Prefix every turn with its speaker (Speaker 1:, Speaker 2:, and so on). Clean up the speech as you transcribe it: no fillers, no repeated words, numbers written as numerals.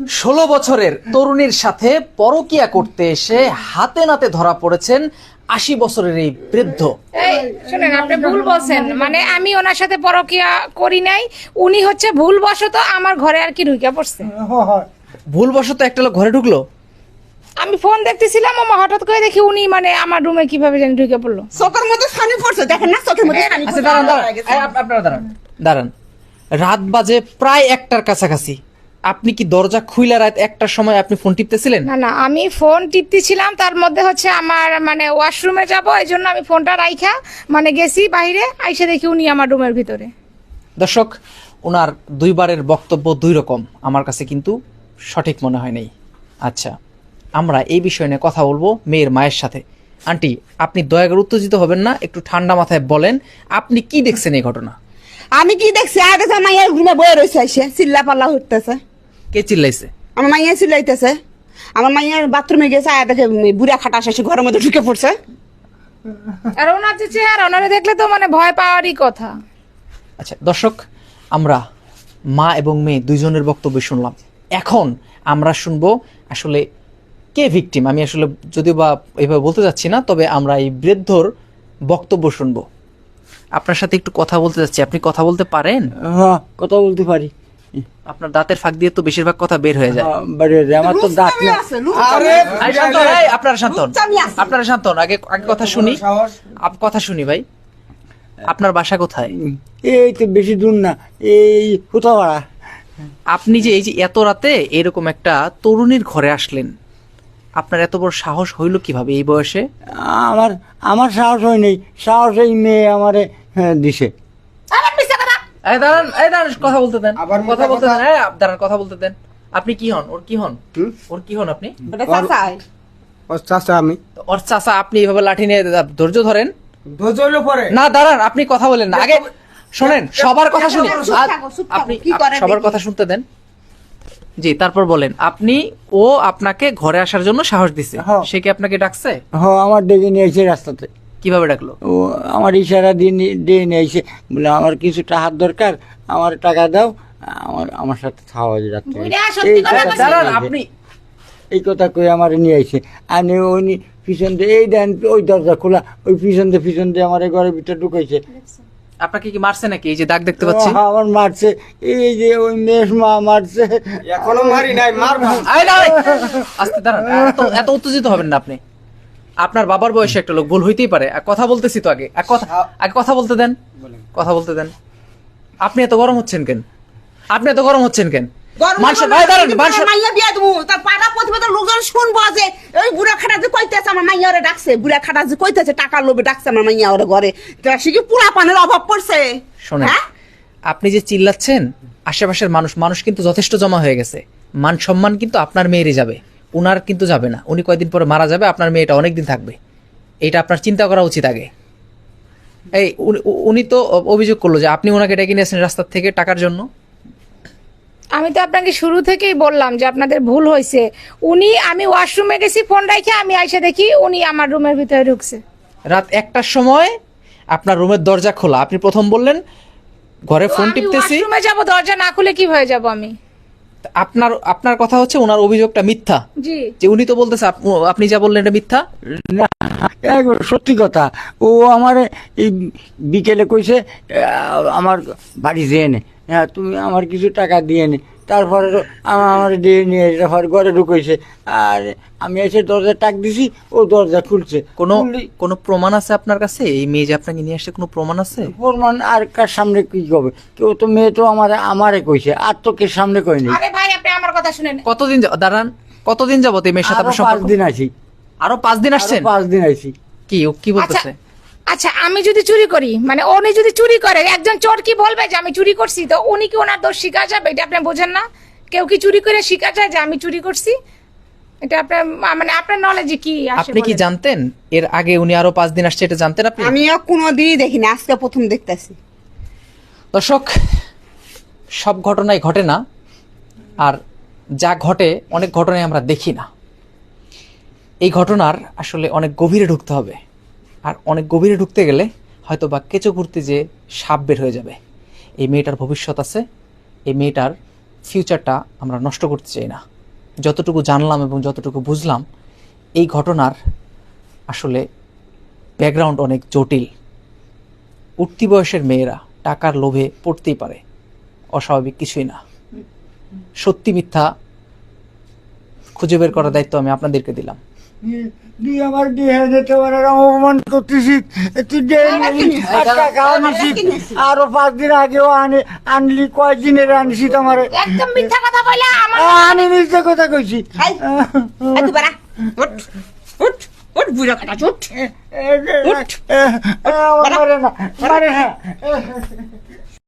Speaker 1: 16 বছরের তরুণীর সাথে পরকীয়া করতে এসে হাতে নাতে ধরা পড়েছেন 80 বছরের এই বৃদ্ধ।
Speaker 2: এই শুনেন, আপনি ভুল বলছেন। মানে আমি ওনার সাথে পরকীয়া করি নাই, উনি হচ্ছে ভুলবশত আমার ঘরে আর কি ঢুকে পড়ছে।
Speaker 1: ভুলবশত একটা লোক ঘরে ঢুকলো।
Speaker 2: আমি ফোন দেখতেছিলাম, আমার হঠাৎ করে দেখি উনি মানে আমার রুমে কিভাবে জানি ঢুকে পড়লো।
Speaker 3: চোখের মধ্যে ছানি পড়ছে, দেখেন না চোখের মধ্যে ছানি
Speaker 1: আচ্ছা
Speaker 3: পড়ছে।
Speaker 1: দাঁড়ান দাঁড়ান, এই, আপনারা দাঁড়ান দাঁড়ান। রাত বাজে প্রায় 1টার কাছাকাছি। আপনি কি দরজা খুইলা রাত 1টার সময় আপনি ফোন টিপতেছিলেন?
Speaker 2: না না, আমি ফোন টিপতেছিলাম, তার মধ্যে হচ্ছে আমার মানে ওয়াশরুমে যাব, এই জন্য আমি ফোনটা রাইখা মানে গেছি বাইরে, আইসা দেখি উনি আমার রুমের ভিতরে।
Speaker 1: দর্শক, ওনার দুইবারের বক্তব্য দুই রকম, আমার কাছে কিন্তু সঠিক মনে হয় নাই। আচ্ছা, আমরা এই বিষয় নিয়ে কথা বলবো মেয়ের মায়ের সাথে। আন্টি, আপনি দয়া করে উত্তেজিত হবেন না, একটু ঠান্ডা মাথায় বলেন আপনি কি দেখছেন এই ঘটনা।
Speaker 3: আমি কি দেখছি, আগে তো মাইয়া ঘুমে বয়ে রয়েছে, এসে চিল্লা পাল্লা উঠতেছে।
Speaker 1: কে চিল্লাইছে?
Speaker 3: আমার মাইয়া চিল্লাইতেছে। আমার মাইয়ার বাথরুমে গেছে, আয়া দেখে বুড়া খাটা শেষে ঘরের মধ্যে ঢুকে পড়ছে।
Speaker 2: আর ওনার যে চেহারা, ওনারে দেখলে তো মানে ভয় পাওয়ারই কথা।
Speaker 1: আচ্ছা দর্শক, আমরা মা এবং মেয়ে দুইজনের বক্তব্য শুনলাম। এখন আমরা শুনবো আসলে কে ভিকটিম। আমি আসলে যদিও বা এইভাবে বলতে যাচ্ছি না, তবে আমরা এই বৃদ্ধর বক্তব্য শুনবো। আপনার সাথে একটু কথা বলতে যাচ্ছি, আপনি কথা বলতে পারেন?
Speaker 4: হ্যাঁ, কথা বলতে পারি।
Speaker 1: আপনার দাঁতের ফাঁক দিয়ে তো বেশিরভাগ কথা বের হয়ে যায়।
Speaker 4: আমার তো দাঁত না।
Speaker 1: আরে শান্ত হন, এই, আপনারা শান্ত হন,
Speaker 3: লুচ্চামি আছে।
Speaker 1: আপনারা শান্ত হন। আগে আগে কথা শুনি, কথা শুনি ভাই। আপনার বাসা কোথায়?
Speaker 4: এই তো বেশি দূর না, এই হুতাপাড়া।
Speaker 1: আপনি যে এই যে এত রাতে এরকম একটা তরুণীর ঘরে আসলেন, আপনার এত বড় সাহস হইল কিভাবে এই বয়সে?
Speaker 4: আমার আমার সাহস হয় নেই, সাহস এই মেয়ে আমারে দিছে।
Speaker 1: এই দাঁড়ান, এই দাঁড়ান, কথা বলতে দেন, কথা বলতে দেন, এই দাঁড়ান, কথা বলতে দেন। আপনি কি হন? ওর কি হন? ওর কি হন আপনি?
Speaker 3: ওটা চাচাই।
Speaker 5: চাচা আমি
Speaker 1: তো ওর চাচা, আপনি এইভাবে লাঠি নিয়ে ধৈর্য ধরেন
Speaker 5: ধৈর্য হইলে পরে
Speaker 1: না। দাঁড়ান, আপনি কথা বলেন না, আগে শোনেন, সবার কথা শুনি।
Speaker 3: চুপ থাকো, চুপ থাকো,
Speaker 1: আপনি
Speaker 3: কি করে
Speaker 1: সবার
Speaker 3: দেখি।
Speaker 1: কথা শুনতে দেন। জি, তারপর বলেন। আপনি, ও আপনাকে ঘরে আসার জন্য সাহস দিছে,
Speaker 4: হ্যাঁ।
Speaker 1: সে কি আপনাকে ডাকছে?
Speaker 4: আমার ডেকে নিয়ে এসে রাস্তাতে,
Speaker 1: কিভাবে ডাকলো?
Speaker 4: ও আমার ইশারা দিয়ে দিয়ে নিয়ে এসে বলে আমার কিছু টাকার দরকার, আমার টাকা দাও, আমার সাথে খাওয়া রাত্রে।
Speaker 2: বুইড়া, সত্যি কথা বলছে।
Speaker 1: দাঁড়ান, আপনি
Speaker 4: এই কথা কই আমার নিয়ে আইছে। আমি ওই পিছন দিয়ে এই দেন, ওই দরজা খোলা, ওই পিছন দিয়ে আমার ঘরের ভিতরে ঢুকাইছে।
Speaker 1: আপনাকে কি মারছে নাকি? এই যে দাগ দেখতে পাচ্ছি।
Speaker 4: আমার মারছে, এই যে ওই মেষ মা মারছে।
Speaker 5: এখনো মারি নাই, মারবো।
Speaker 1: আরে দাঁড়ান, আস্তে দাঁড়ান, এত উত্তেজিত হবেন না আপনি। আপনার বাবার বয়সে একটা লোক, ভুল হইতেই পারে। আর কথা বলতেছি তো, আগে আগে কথা বলতে দেন, কথা বলতে দেন। আপনি এত গরম হচ্ছেন কেন? আপনি এত গরম হচ্ছেন কেন? মানুষের ভাই দাঁড়ান, মানুষের
Speaker 3: মাইয়া বিয়া দেবো, তার পাড়া প্রতিবেদন লোকজন শুনবো যে ওই বুড়া খাটা যে কইতেছে আমার মাইয়া ওরে ডাকছে, বুড়া খাটা যে কইতেছে টাকার লোভে ডাকছে আমার মাইয়া ওরে ঘরে। তা সে কি পোড়া পানের অভাব পড়ছে?
Speaker 1: শোনেন,
Speaker 3: হ্যাঁ?
Speaker 1: আপনি যে চিল্লাচ্ছেন, আশেপাশের মানুষ কিন্তু যথেষ্ট জমা হয়ে গেছে। মান সম্মান কিন্তু আপনার মেয়েরই যাবে, উনার কিন্তু যাবে না। উনি কয়দিন পরে মারা যাবে, আপনার মেয়েটা অনেকদিন থাকবে। এটা আপনার চিন্তা করা উচিত আগে। এই উনি তো অভিযোগ করলো যে আপনি ওনাকে ডেকে নিয়েছেন রাস্তার থেকে টাকার জন্য।
Speaker 2: আমি তো আপনাকে শুরু থেকেই বললাম যে আপনাদের ভুল হয়েছে। আমি ওয়াশরুমে গেছি, ফোন রাইখা আমি আইসা দেখি উনি আমার রুমের ভিতরে ঢুকছে।
Speaker 1: রাত 1টার সময় আপনার রুমের দরজা খোলা, আপনি প্রথম বললেন ঘরে ফোন
Speaker 2: আমি
Speaker 1: টিপতেছি।
Speaker 2: ওয়াশরুমে যাব, দরজা না খুলে কি হয়ে যাব আমি?
Speaker 1: আপনার কথা হচ্ছে ওনার অভিযোগটা মিথ্যা,
Speaker 2: জি,
Speaker 1: যে উনি তো বলতেছে আপনি যা বললেন এটা মিথ্যা।
Speaker 4: না, সত্যি কথা। ও আমার এই বিকেলে কইছে আমার বাড়ি যেয়ে নে, হ্যাঁ তুমি আমার কিছু টাকা দিয়ে নে। তারপরে আমার দিয়ে নিয়ে তারপর ঘরে ঢুকেছে, আর আমি এসে দরজা টাক দিছি, ও দরজা খুলছে।
Speaker 1: কোনো প্রমাণ আছে আপনার কাছে? এই মেয়ে যে আপনাকে নিয়ে আসছে, কোনো প্রমাণ আছে?
Speaker 4: প্রমাণ আর কার সামনে কি হবে? কেউ তো মেয়ে তো আমারে কইছে, আর তো কে সামনে কয়নি।
Speaker 2: আরে ভাই, আপনি আমার কথা শুনেন।
Speaker 1: দাঁড়ান, কতদিন যাবত এই মেয়ের সাথে আপনার
Speaker 4: 5
Speaker 1: সম্পর্ক?
Speaker 4: দিন আছি।
Speaker 1: আরো 5 দিন আসছেন?
Speaker 4: 5 দিন আছি।
Speaker 1: কি ও কি বলতেছে?
Speaker 2: আচ্ছা, আমি যদি চুরি করি, মানে উনি যদি চুরি করে, একজন চোর কি বলবে যে আমি চুরি করছি? তো উনি কি ওনার দোষ স্বীকার যাবে? এটা আপনি বোঝেন না? কেউ কি চুরি করে স্বীকার যায় যে আমি চুরি করছি? এটা আপনার মানে আপনার নলেজে কি আসে?
Speaker 1: আপনি কি
Speaker 2: বলেন?
Speaker 1: জানতেন এর আগে উনি আরো 5 দিন আসছে? এটা জানতেন আপনি?
Speaker 3: আমিও কোনোদিনই দেখিনি, আজকে প্রথম দেখতেছি।
Speaker 1: দর্শক, সব ঘটনাই ঘটে না, আর যা ঘটে অনেক ঘটনায় আমরা দেখি না। এই ঘটনার আসলে অনেক গভীরে ঢুকতে হবে, আর অনেক গভীরে ঢুকতে গেলে হয়তো বা কেঁচো ঘুরতে যে সাপ বের হয়ে যাবে। এই মেয়েটার ভবিষ্যৎ আছে, এই মেয়েটার ফিউচারটা আমরা নষ্ট করতে চাই না। যতটুকু জানলাম এবং যতটুকু বুঝলাম, এই ঘটনার আসলে ব্যাকগ্রাউন্ড অনেক জটিল। উঠতি বয়সের মেয়েরা টাকার লোভে পড়তেই পারে, অস্বাভাবিক কিছুই না। সত্যি মিথ্যা খুঁজে বের করার দায়িত্ব আমি আপনাদেরকে দিলাম।
Speaker 4: তুই আমার দিয়ে যেতে পারে অপমান করতেছিস, তুই টাকাও নিছিস, আরো 5 দিন আগেও আনলি, কয়েকদিনের আনছিস আমার,
Speaker 2: একদম মিথ্যা কথা বলে আমার
Speaker 4: আনি মিথ্যে কথা কইছি।
Speaker 3: এই, এই তুই বেড়া উঠ উঠ উঠ বুড়া খাটা উঠ
Speaker 4: মারে না, মারে না।